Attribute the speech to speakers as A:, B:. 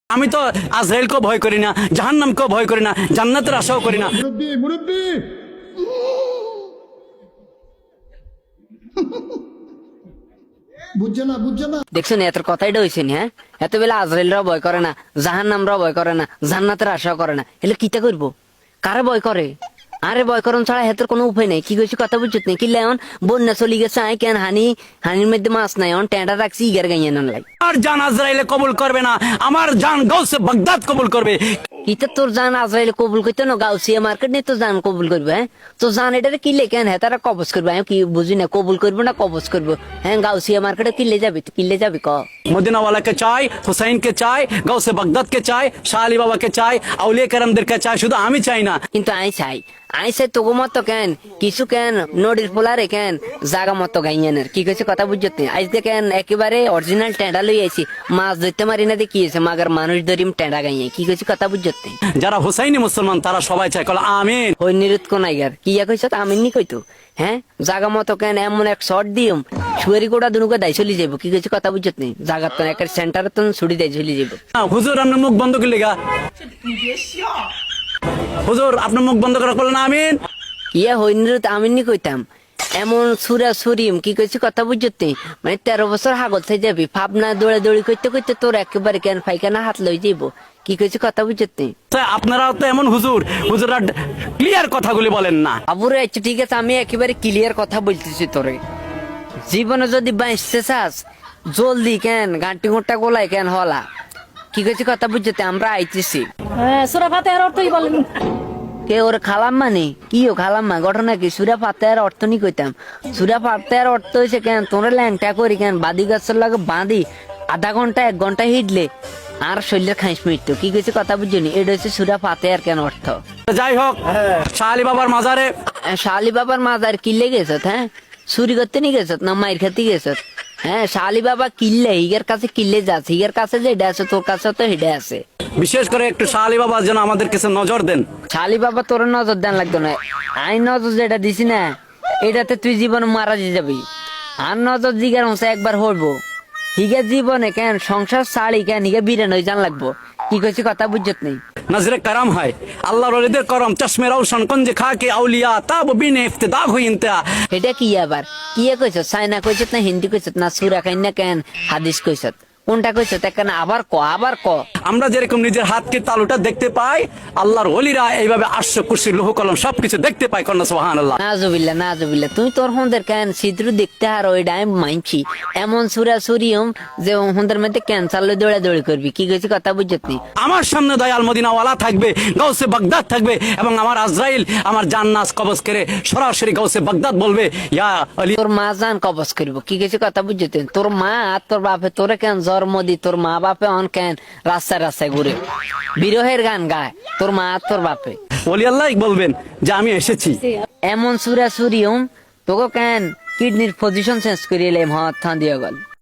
A: আমি তো আজরাইলকেও ভয় করি না, জাহান্নামকেও ভয় করি না, জান্নাতের আশাও করি না।
B: দেখছো না এত কথাইটা হয়েছে নি? হ্যাঁ, এত বেলা আজরাইলরাও ভয় করে না, জাহান্নামরাও ভয় করে না, জান্নাতের আশাও করে না, এলে কিতা করবো? কারে ভয় করে? আরে ভয় করন ছাড়া হেতের কোনো উপায় নাই। কি কইছি কথা বুঝছত না? কি লেন বন্যা চলি গেছে, আই কেন হানির মধ্যে মাছ নাই, অন টেঁটা রাখছি ইগার গাইয়ে নান লাই।
A: আমার জান আজরাইলে কবুল করবে না, আমার জান গাউসে বাগদাদ কবুল করবে।
B: কিতা তোর জান আজরাইলে কবুল করতে না? গাউসিয়া মার্কেট নিয়ে তো জান কবুল করবে। হ্যাঁ, তো জান এটারে কিলে কেন? হ্যাঁ, তারা কবজ করবে। আমি কি বুঝি না, কবুল করবো না কবজ করবো? হ্যাঁ, গাউসিয়া মার্কেটে কিলে যাবি, কিলে যাবি ক?
A: মদিনা वाला के চাই, হুসাইন কে চাই, গাউসে বাগদাদ কে চাই, শাহ আলী বাবা কে চাই, আউলিয়া কেরামদের কে চাই, শুধু আমি চাই না।
B: কিন্তু আই চাই তোগো মতো কেন কিছু কেন নদীর পোলারে কেন জাগা মতো গাইয়ানের কি কইছে কথা বুঝতে? আজ দেখেন একেবারে অরিজিনাল টেঁডা লই আইছি, মাছ ধরতে মারি না দেখি মাগার মানুষ ধরিম টেঁডা গাইয়ে। কি কইছে কথা বুঝতে?
A: যারা হুসাইনি মুসলমান তারা সবাই চায়, কল আমিন।
B: হই নিরুত কোনাইগার কি কইছ? আমিন নি কইতো। হ্যাঁ, জাগা মতো কেন এমন এক শর্ট দিম সুয়ারি গোড়া দুনুকে দাই চলি যাবো। কি কইছে কথা বুঝতে? জাগার তো একটা সেন্টার তো ছুটি দাই চলি যাবো।
A: হুজুর আপনার মুখ বন্ধ করলে গা, হুজুর আপনার মুখ বন্ধ করা করলেন আমিন।
B: ইয়া হইনিরুত আমিন নি কইতাম এমন সুরা সুরিম। কি কইছি কথা বুঝতে? মানে 13 বছর হাগল থাই যাবি ভাবনা দৌড়া দৌড়ি করতে করতে তোর একেবারে কেন ফাইখানা হাত লই যাইব। কি কইছি কথা বুঝতে?
A: আপনারা তো এমন হুজুর, হুজুররা ক্লিয়ার কথাগুলি বলেন না।
B: আবুরে আচ্ছা ঠিক আছে, আমি একেবারে ক্লিয়ার কথা বলতেছি তোরে। জীবনে যদি বাঁচতে চাস জলদি কেন গাঁটি গোটা গোলাই কেন হলা। কি কইছি কথা বুঝতে? আমরা আইতেছি।
C: সূরা ফাতিহার অর্থই বলেন।
B: কে ওর খালাম মানে কি? ও খালাম মা ঘটনা কি? সুরা ফাতিহার অর্থ নি কইতাম। সুরা ফাতিহার অর্থ হইছে কেন তোরে ল্যাংটা করি কেন বাদি গাছের লাগে বাঁধি আধা ঘন্টা 1 ঘন্টা হিটলে আর শরীরের খাইস মৃত্যু। কি কইছে কথা বুঝনি? এটা হচ্ছে সুরা ফাতিহার কেন অর্থ।
A: যাই হোক, শাহ আলী বাবার মাজারে
B: শাহ আলী বাবার মাজার কিল্লে গেছত? হ্যাঁ, চুরি করতে নি গেছত না মাইর খেতে গেছত? হ্যাঁ, শাহ আলী বাবা কিল্লে হিগের কাছে কিল্লে যাচ্ছে, হিগের কাছে যে হেডে আছে তোর কাছে তো হেডে আছে।
A: বিশেষ করে একটু শাহ আলী বাবা যেন আমাদের কাছে নজর দেন।
B: শাহ আলী বাবা তোর নজর দেন লাগতো না। আই নজর যেটা দিছি না এটাতে তুই জীবনে মারা যাবি। আর নজর জিগার হচ্ছে একবার হইবো হিগে জীবনে কেন সংসার ছাড়ি কেন হিগে বিরান হয়ে জান লাগবো। কি কইছি কথা বুঝত নেই?
A: নজরে করম হয় আল্লাহর ওলিদের করম, চশমে রওশন কুঞ্জ খাকে আউলিয়া তাব বিনে ইফতিদা হুই ইনতা।
B: এটা কি আবার কি কইছ? চাইনা কইছত না হিন্দি কইছত না সুরা কাইনা কেন হাদিস কইছত? কোনটা কইছত? কেন আবার ক, আবার ক।
A: আমরা যেরকম নিজের হাতকে তালুটা দেখতে পাই, আল্লাহর ওলিরা এইভাবে আরশ কুরসি লৌহ কলম সবকিছু দেখতে পায়। কন্যা সুবহানাল্লাহ।
B: নাজুবিল্লাহ নাজুবিল্লাহ। তুই তোর হন্দের কেন ছিদ্র দেখতে আর ওই ডাইম মাইনছি এমন সুরা সুরিয়ম যে হন্দের মধ্যে ক্যান্সার লই দৌড়া দৌড়ি করবি। কি কইছি কথা বুঝত নি?
A: আমার সামনে দয়াল মদিনাওয়ালা থাকবে, গাউসে বাগদাদ থাকবে, এবং আমার আজরাইল আমার জান্নাত কবজ করে সরাসরি গাউসে বাগদাদ বলবে ইয়া আলী।
B: তোর মা জান কবজ করবো। কি কইছি কথা বুঝত? তোর মা আর তোর বাপে তোরে কেন জন্ম দি, তোর মা বাপে অন কেন রাস্তায় রাস্তায় ঘুরে বিরহের গান গায় তোর মা আর তোর বাপে।
A: ওলি আল্লাহ বলবেন যে আমি এসেছি।
B: এমন সুরা সুরিয়ম তোকে কেন কিডনির পজিশন চেঞ্জ করিয়ে এলাম হাত দিয়ে গেল।